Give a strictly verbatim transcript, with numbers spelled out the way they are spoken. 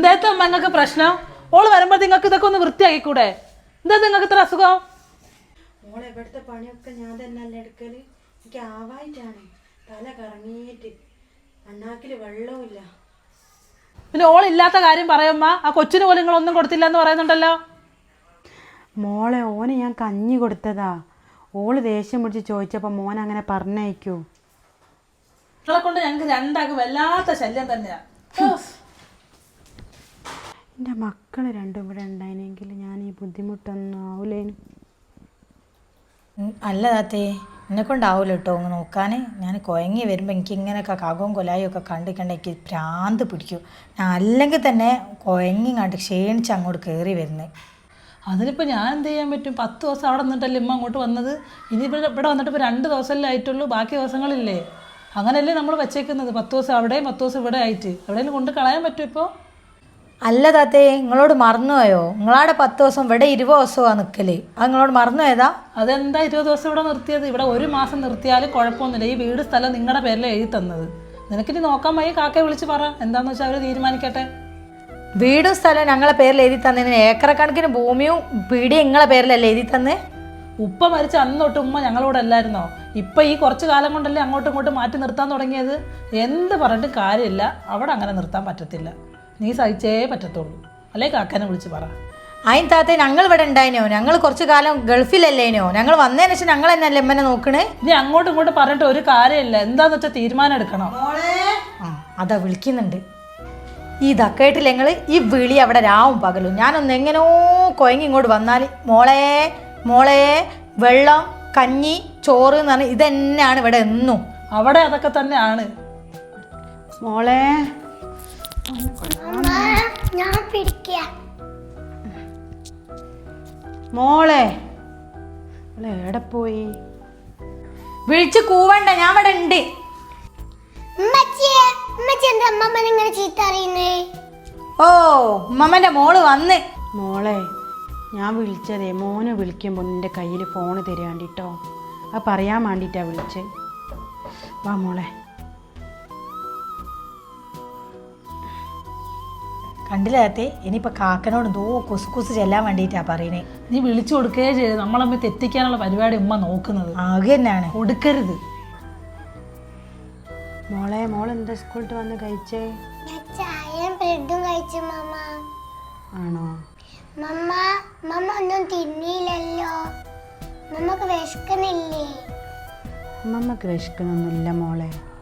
എന്താ അമ്മ നിങ്ങൾക്ക് പ്രശ്നം? ഓള് വരുമ്പോ നിങ്ങൾക്ക് ഇതൊക്കെ ഒന്ന് വൃത്തിയാക്കിക്കൂടെ? എന്താ നിങ്ങൾക്ക് ഇത്ര അസുഖം? മോളെ ഇവിടുത്തെ പണിയൊക്കെ ഞാൻ തന്നെ അല്ല എടുക്കല്. എനിക്ക് ആവായിട്ടാണ്, തല കറങ്ങിയിട്ട് അണ്ണാക്കില് വെള്ളവുമില്ല. പിന്നെ ഓളില്ലാത്ത കാര്യം പറയമ്മ. ആ കൊച്ചിന് പോലും നിങ്ങളൊന്നും കൊടുത്തില്ല എന്ന് പറയുന്നുണ്ടല്ലോ. മോളെ ഓന് ഞാൻ കഞ്ഞി കൊടുത്തതാ. ഓള് ദേഷ്യം പിടിച്ച് ചോദിച്ചപ്പോൾ മോൻ അങ്ങനെ പറഞ്ഞയക്കൂ. നിങ്ങളെ കൊണ്ട് ഞങ്ങൾക്ക് രണ്ടാക്കും വല്ലാത്ത ശല്യം തന്നെയാ. എൻ്റെ മക്കൾ രണ്ടും ഇവിടെ ഉണ്ടായിരുന്നെങ്കിൽ ഞാൻ ഈ ബുദ്ധിമുട്ടൊന്നും ആവൂലേനു. അല്ല താത്തേ, എന്നെ കൊണ്ടാവില്ല കേട്ടോ ഒന്ന് നോക്കാൻ. ഞാൻ കുഴങ്ങി വരുമ്പോൾ എനിക്ക് ഇങ്ങനെയൊക്കെ കാകവും കൊലായും ഒക്കെ കണ്ടിക്കണ്ട എനിക്ക് ഭ്രാന്ത് പിടിക്കും. ഞാൻ അല്ലെങ്കിൽ തന്നെ കുഴങ്ങി കണ്ട് ക്ഷീണിച്ച് അങ്ങോട്ട് കയറി വരുന്നത്. അതിനിപ്പോൾ ഞാൻ എന്ത് ചെയ്യാൻ പറ്റും? പത്ത് ദിവസം അവിടെ നിന്നിട്ടല്ലേ ഇമ്മ അങ്ങോട്ട് വന്നത്. ഇനി ഇവിടെ ഇവിടെ വന്നിട്ട് ഇപ്പോൾ രണ്ട് ദിവസമല്ലേ ആയിട്ടുള്ളൂ. ബാക്കി ദിവസങ്ങളില്ലേ? അങ്ങനെയല്ലേ നമ്മൾ വെച്ചേക്കുന്നത്. പത്ത് ദിവസം അവിടെയും പത്ത് ദിവസം ഇവിടെ ആയിട്ട് എവിടെയെങ്കിലും കൊണ്ട് കളയാൻ പറ്റും ഇപ്പോൾ? അല്ല താത്തേ, നിങ്ങളോട് മറന്നുപോയോ? നിങ്ങളാടെ പത്ത് ദിവസം ഇവിടെ ഇരുപത് ദിവസമാണ് നിൽക്കല്. അത് നിങ്ങളോട് മറന്നുപോയതാ? അതെന്താ ഇരുപത് ദിവസം ഇവിടെ നിർത്തിയത്? ഇവിടെ ഒരു മാസം നിർത്തിയാലും കുഴപ്പമൊന്നുമില്ല. ഈ വീട് സ്ഥലം നിങ്ങളുടെ പേരിൽ എഴുതി തന്നത്. നിനക്കിനി നോക്കാൻ വയ്യ, കാക്കയെ വിളിച്ച് പറ എന്താണെന്ന് വെച്ചാൽ അവർ തീരുമാനിക്കട്ടെ. വീടും സ്ഥലവും ഞങ്ങളെ പേരിൽ എഴുതി തന്നതിന് ഏക്കറക്കണക്കിന് ഭൂമിയും പീടിയും നിങ്ങളെ പേരിലല്ലേ എഴുതി തന്നേ? ഉപ്പ മരിച്ച അന്ന് തൊട്ട് ഉമ്മ ഞങ്ങളോട് അല്ലായിരുന്നോ? ഇപ്പം ഈ കുറച്ച് കാലം കൊണ്ടല്ലേ അങ്ങോട്ടും ഇങ്ങോട്ടും മാറ്റി നിർത്താൻ തുടങ്ങിയത്. എന്ത് പറഞ്ഞിട്ട് കാര്യമില്ല, അവിടെ അങ്ങനെ നിർത്താൻ പറ്റത്തില്ല. നീ സഹിച്ചേ പറ്റത്തുള്ളൂ. അല്ലേ കാക്കനെ വിളിച്ച് പറ. അതിന് താത്തേ, ഞങ്ങൾ ഇവിടെ ഉണ്ടായിനോ? ഞങ്ങൾ കുറച്ച് കാലം ഗൾഫിലല്ലേനോ? ഞങ്ങൾ വന്നതിന് ശേഷം ഞങ്ങൾ തന്നെ അല്ലേ എമ്മനെ നോക്കണേ? ഇനി അങ്ങോട്ടും ഇങ്ങോട്ടും പറഞ്ഞിട്ട് ഒരു കാര്യമില്ല. എന്താന്ന് വെച്ചാൽ തീരുമാനം എടുക്കണം. ആ അതാ വിളിക്കുന്നുണ്ട്. ഈ ദക്കേട്ടില്ല ഞങ്ങൾ ഈ വിളി അവിടെ രാവും പകലും. ഞാനൊന്ന് എങ്ങനെയോ കൊയങ്ങി ഇങ്ങോട്ട് വന്നാൽ മോളെ മോളെ വെള്ളം കഞ്ഞി ചോറ് എന്ന് പറഞ്ഞാൽ ഇതന്നെയാണ് ഇവിടെ എന്നും. അവിടെ അതൊക്കെ തന്നെയാണ് മോളെ. ഞാൻ പിടിക്കാം മോളെ മോളെ എവിടെ പോയി? വിളിച്ച് കൂവണ്ട, ഞാൻ ഇവിടെ ഉണ്ട്. എന്താ അമ്മമ്മ ഇങ്ങനെ ചീത്ത അറിയുന്നേ? ഓ ഉമ്മമ്മന്റെ മോള് വന്ന്. മോളെ ഞാൻ വിളിച്ചതേ മോനെ വിളിക്കുമ്പോൾ നിൻ്റെ കയ്യിൽ ഫോണ് തരാണ്ടിട്ടോ. അത് പറയാൻ വേണ്ടിയിട്ടാണ് വിളിച്ചത്. വാ മോളെ. കണ്ടില്ലാത്തേ, ഇനിയിപ്പോൾ കാക്കനോട് എന്തോ കുസ് കുസ് ചെല്ലാൻ വേണ്ടിയിട്ടാണ് പറയണേ. നീ വിളിച്ചു കൊടുക്കുകയേ ചെയ്ത് നമ്മളമ്മ തെറ്റിക്കാനുള്ള പരിപാടി ഉമ്മ നോക്കുന്നത്. ആകെ തന്നെയാണ്. കൊടുക്കരുത് മോളെ. മോൾ എന്താ സ്കൂളിൽ വന്ന് കഴിച്ചേ? ചായയും ബ്രെഡും കഴിച്ചു മമ്മ. ആണോ മമ്മ? മമ്മ ഒന്നും തിന്നില്ലല്ലോ. മമ്മക്ക് വിശക്കുന്നില്ലേ? അമ്മമ്മക്ക് വിശക്കുന്നൊന്നുമില്ല മോളെ.